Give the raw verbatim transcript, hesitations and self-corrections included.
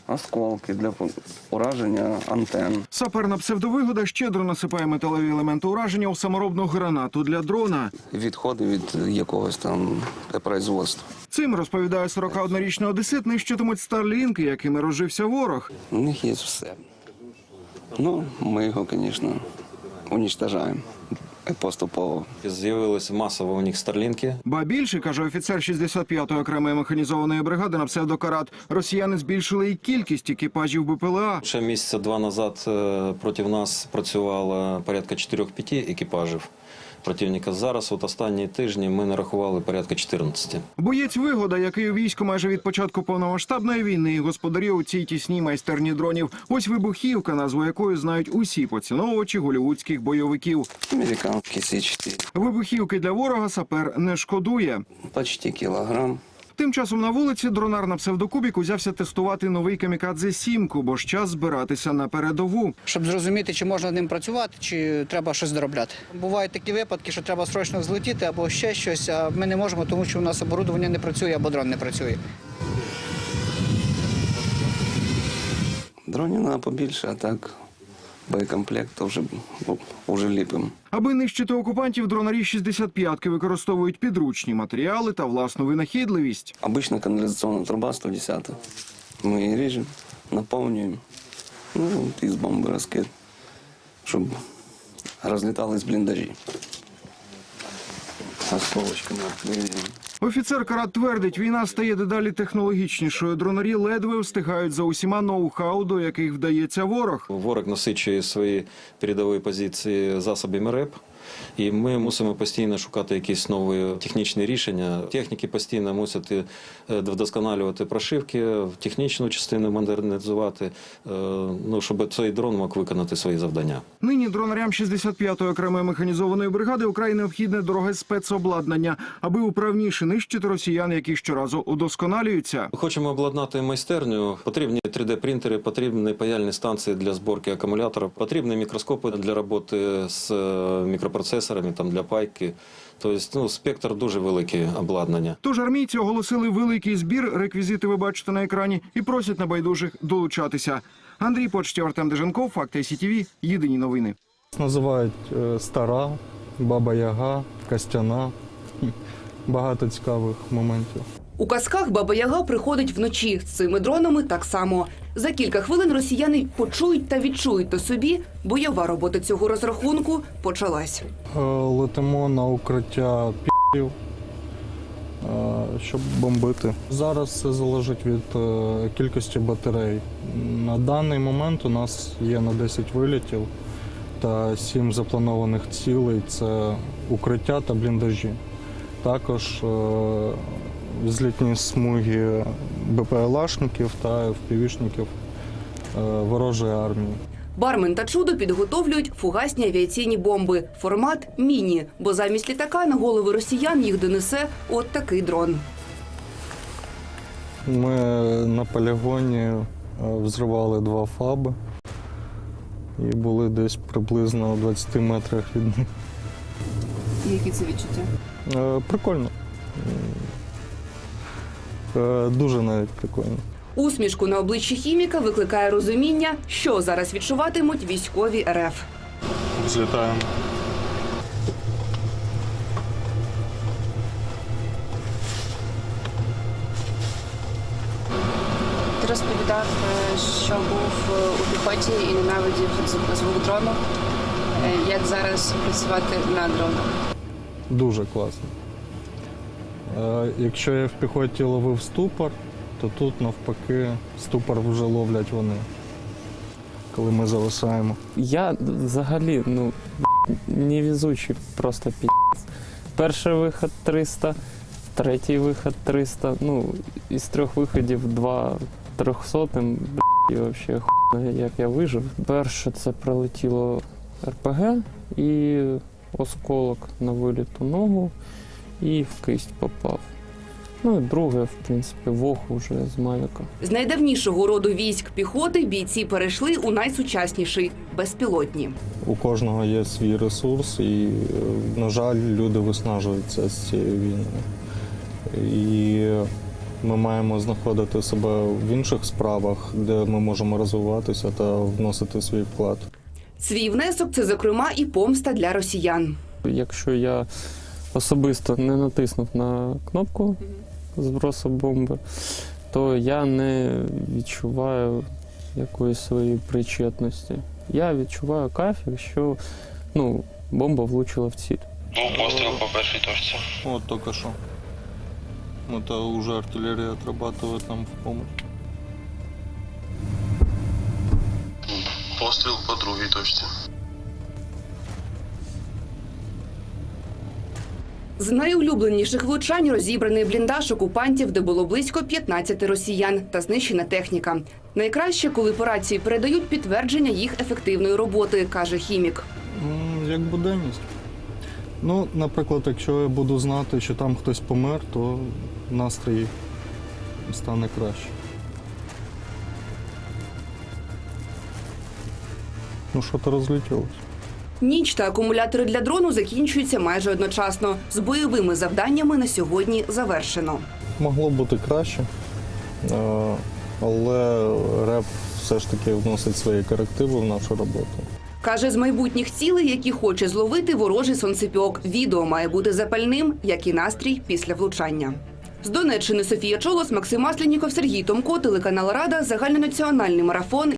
осколки для ураження антенн. Саперна псевдовигода щедро насипає металеві елементи ураження у саморобну гранату для дрона. Відходи від якогось там производства. Цим, розповідає сорокаоднорічний одесит, нищитимуть старлінки, якими розжився ворог. У них є все. Ну, ми його, звісно, уничтожаємо поступово. З'явилися масово у них старлінки. Ба більше, каже офіцер шістдесят п'ятої окремої механізованої бригади на псевдокарат, росіяни збільшили і кількість екіпажів БПЛА. Ще місяця два назад е, проти нас працювало порядка чотирьох-п'яти екіпажів противника. Зараз, от останні тижні, ми нарахували порядка чотирнадцяти. Боєць Вигода, який у війську майже від початку повномасштабної війни і господарює у цій тісній майстерні дронів. Ось вибухівка, назву якої знають усі поціновувачі голлівудських бойовиків. Американський Сі чотири. Вибухівки для ворога сапер не шкодує. Почти кілограм. Тим часом на вулиці дронар на псевдокубік узявся тестувати новий камікадзе сімку, бо ж час збиратися на передову. Щоб зрозуміти, чи можна ним працювати, чи треба щось доробляти. Бувають такі випадки, що треба срочно взлетіти або ще щось, а ми не можемо, тому що у нас оборудовання не працює або дрон не працює. Дронів треба побільше, а так боєкомплект то вже, вже ліпимо. Аби нищити окупантів, дронарі шістдесят п'ятки використовують підручні матеріали та власну винахідливість. Обична каналізаційна труба сто десять. Ми її ріжемо, наповнюємо, ну, і з бомби розкид, щоб розлітались бліндажі. Осколочками відповідаємо. Офіцер Карат твердить, війна стає дедалі технологічнішою. Дронарі ледве встигають за усіма ноу-хау, до яких вдається ворог. Ворог насичує свої передові позиції засобами РЕП. І ми мусимо постійно шукати якісь нові технічні рішення. Техніки постійно мусять вдосконалювати прошивки, технічну частину модернізувати, ну, щоб цей дрон мог виконати свої завдання. Нині дронарям шістдесят п'ятої окремої механізованої бригади украй необхідне дороге спецобладнання, аби управніше нищити росіян, які щоразу удосконалюються. Хочемо обладнати майстерню. Потрібні три де принтери, потрібні паяльні станції для зборки акумуляторів, потрібні мікроскопи для роботи з мікропроцесорами, там, для пайки. Тобто, ну, спектр дуже великий обладнання. Тож армійці оголосили великий збір, реквізити ви бачите на екрані, і просять небайдужих долучатися. Андрій Почтєв, Артем Деженков, Факти Сі Ті Ві, єдині новини. Називають Стара, Баба Яга, Костяна. Багато цікавих моментів. У казках Баба Яга приходить вночі. З цими дронами так само. За кілька хвилин росіяни почують та відчують на собі. Бойова робота цього розрахунку почалась. Летимо на укриття пі***ів, щоб бомбити. Зараз все залежить від кількості батарей. На даний момент у нас є на десять вилітів та сім запланованих цілей – це укриття та бліндажі. Також взлітні смуги БПЛАшників та ефпівішників ворожої армії. Бармен та чудо підготовлюють фугасні авіаційні бомби. Формат – міні, бо замість літака на голови росіян їх донесе от такий дрон. Ми на полігоні взривали два фаби і були десь приблизно у двадцяти метрах від них. Які це відчуття? Прикольно. Дуже навіть прикольно. Усмішку на обличчі хіміка викликає розуміння, що зараз відчуватимуть військові ер еф. Злітаємо. Ти розповідав, що був у піхоті і ненавидів звук дрону. Як зараз працювати на дронах? Дуже класно. Якщо я в піхоті ловив ступор, то тут навпаки ступор вже ловлять вони, коли ми зависаємо. Я взагалі ну, невезучий, просто пі***ць. Перший вихід триста, третій вихід триста, ну, із трьох виходів два трьохсотим, і взагалі хуй, як я вижив. Перше це прилетіло ер пе ге і осколок на виліту ногу і в кисть попав. Ну і друге, в принципі, вог уже з Мавіка. З найдавнішого роду військ піхоти бійці перейшли у найсучасніший – безпілотні. У кожного є свій ресурс і, на жаль, люди виснажуються з цією війною. І Ми маємо знаходити себе в інших справах, де ми можемо розвиватися та вносити свій вклад. Свій внесок – це, зокрема, і помста для росіян. Якщо я особисто не натиснув на кнопку збросу бомби, то я не відчуваю якоїсь своєї причетності. Я відчуваю кайф, якщо ну, бомба влучила в ціль. Був постріл по першій точці. От тільки що. Это вже артилерія отрабатує нам в допомогу. Постріл по другій точці. З найулюбленіших влучань розібраний бліндаж окупантів, де було близько п'ятнадцяти росіян та знищена техніка. Найкраще, коли по рації передають підтвердження їх ефективної роботи, каже хімік. М, Як буденність. Ну, наприклад, якщо я буду знати, що там хтось помер, то настрій стане краще. Ну, що-то розлетілося. Ніч та акумулятори для дрону закінчуються майже одночасно. З бойовими завданнями на сьогодні завершено. Могло бути краще, е, але РЕП все ж таки вносить свої корективи в нашу роботу. Каже, з майбутніх цілей, які хоче зловити ворожий сонцепьок. Відео має бути запальним, як і настрій після влучання. З Донеччини Софія Чолос, Максим Масленіков, Сергій Томко, телеканал Рада, загальнонаціональний марафон.